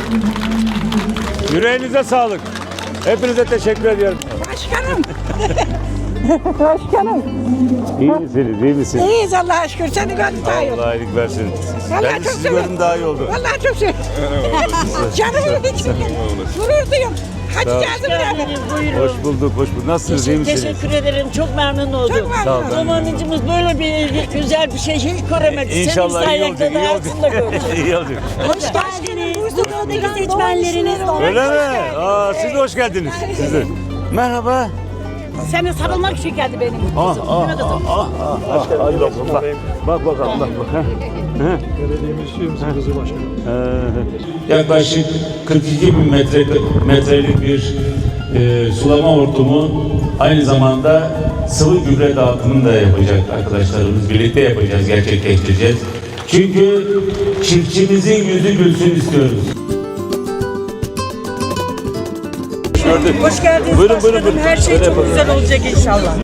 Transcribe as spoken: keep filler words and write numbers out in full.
Yüreğinize sağlık. Hepinize teşekkür ediyorum. Başkanım. Başkanım. İyi misiniz, iyi misiniz? İyiyiz Allah'a şükür. Seni gördüm daha iyi oldu. Allah iyilik versin. Vallahi Ben de çok sizi sevindim. gördüm daha iyi oldu. Vallahi çok sevindim. Canımın içinde. Gurur duyuyorum. Hadi geldim beraber. Buyurun. Hoş bulduk, hoş bulduk. Nasılsınız, iyi misiniz? Teşekkür ederim. Çok memnun oldum. Çok memnun Sağ ol, ben de. Zamanıcımız böyle bir güzel bir şey hiç göremedik. İnşallah iyi oldu, Senin iyi sayende oldu. daha gördük. İyi oldu. Hoş geldiniz. Bursa'daki seçmenleriniz. Öyle mi? Aa, siz de hoş geldiniz. Siz de. Merhaba. Seni sarılmak için geldi benim. Ah, ah, ah, ah, ah. Hadi bakalım, bak. Bak bakalım, bak, bak. Belediyemiz üyemizin kızı başkanım. Ee, Yaklaşık kırk iki bin metre, metrelik bir e, sulama hortumu, aynı zamanda sıvı gübre dağıtımını da yapacak arkadaşlarımız. Birlikte yapacağız, gerçekleştireceğiz. Çünkü çiftçimizin yüzü gülsün istiyoruz. gördük. Hoş geldiniz Buyurun, başkanım. buyurun, buyurun. Her şey Öyle çok yapalım. güzel olacak inşallah.